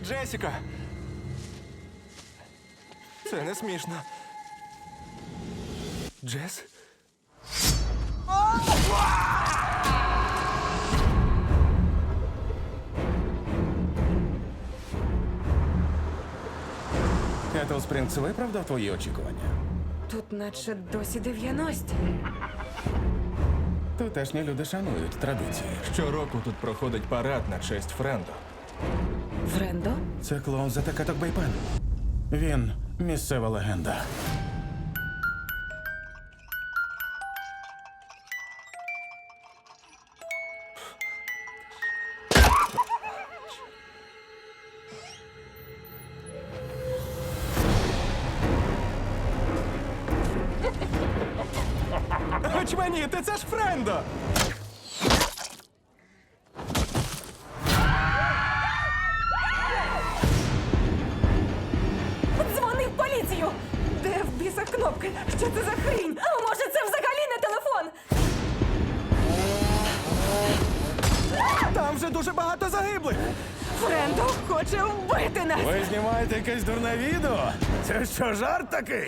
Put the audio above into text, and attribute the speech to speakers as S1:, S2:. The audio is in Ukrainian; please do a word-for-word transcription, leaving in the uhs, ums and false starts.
S1: Джесіка! Це не смішно. Джес?
S2: Кетл Спрінгс виправдав твої очікування?
S3: Тут наче досі дев'яності.
S2: Тутешні люди шанують традиції.
S1: Щороку тут проходить парад на честь Френдо.
S3: Френдо?
S2: Це клоун за Такаток Бейпен. Він місцева легенда.
S1: Очманіти, це ж Френдо!
S3: Дзвони в поліцію! Де в бісах кнопки? Що це за хрінь? А може це взагалі не телефон?
S1: Там вже дуже багато загиблих!
S3: Френдо хоче вбити нас!
S2: Ви знімаєте якесь дурне відео? Це що, жарт такий?